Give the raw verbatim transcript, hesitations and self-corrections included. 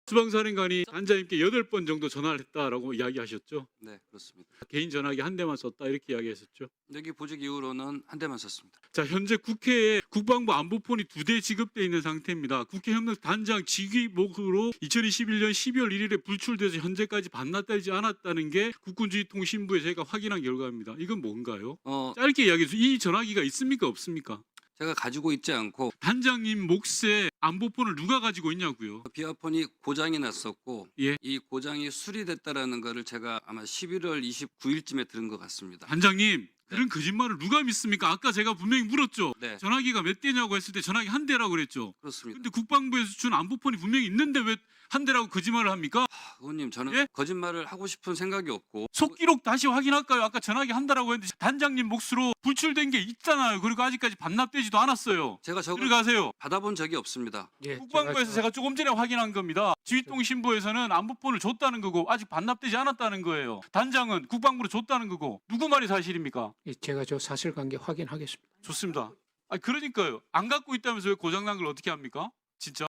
수방사령관이 단장님께 여덟 번 정도 전화를 했다라고 이야기하셨죠. 네, 그렇습니다. 개인 전화기 한 대만 썼다 이렇게 이야기했었죠. 여기 보직 이후로는 한 대만 썼습니다. 자, 현재 국회에 국방부 안보폰이 두 대 지급돼 있는 상태입니다. 국회협력 단장 직위목으로 이천이십일 년 십이월 일일에 불출돼서 현재까지 반납되지 않았다는 게 국군주의통신부에 저희가 확인한 결과입니다. 이건 뭔가요? 어, 짧게 이야기해서 이 전화기가 있습니까 없습니까? 제가 가지고 있지 않고 단장님 몫에 안보폰을 누가 가지고 있냐고요? 비아폰이 고장이 났었고 예. 이 고장이 수리됐다라는 거를 제가 아마 십일월 이십구일쯤에 들은 것 같습니다. 단장님 그런 거짓말을 누가 믿습니까? 아까 제가 분명히 물었죠. 네, 전화기가 몇 대냐고 했을 때 전화기 한 대라고 그랬죠. 그렇습니다. 근데 국방부에서 준 안보폰이 분명히 있는데 왜 한 대라고 거짓말을 합니까? 아, 의원님, 저는 예? 거짓말을 하고 싶은 생각이 없고 속기록 다시 확인할까요? 아까 전화기 한 대라고 했는데 단장님 몫으로 불출된 게 있잖아요. 그리고 아직까지 반납되지도 않았어요. 제가 저걸 들어가세요. 받아본 적이 없습니다. 예, 국방부에서 제가 조금 전에 확인한 겁니다. 지휘통신부에서는 안보폰을 줬다는 거고 아직 반납되지 않았다는 거예요. 단장은 국방부로 줬다는 거고 누구 말이 사실입니까? 예, 제가 저 사실관계 확인하겠습니다. 좋습니다. 아 그러니까요. 안 갖고 있다면서 왜 고장난 걸 어떻게 합니까? 진짜?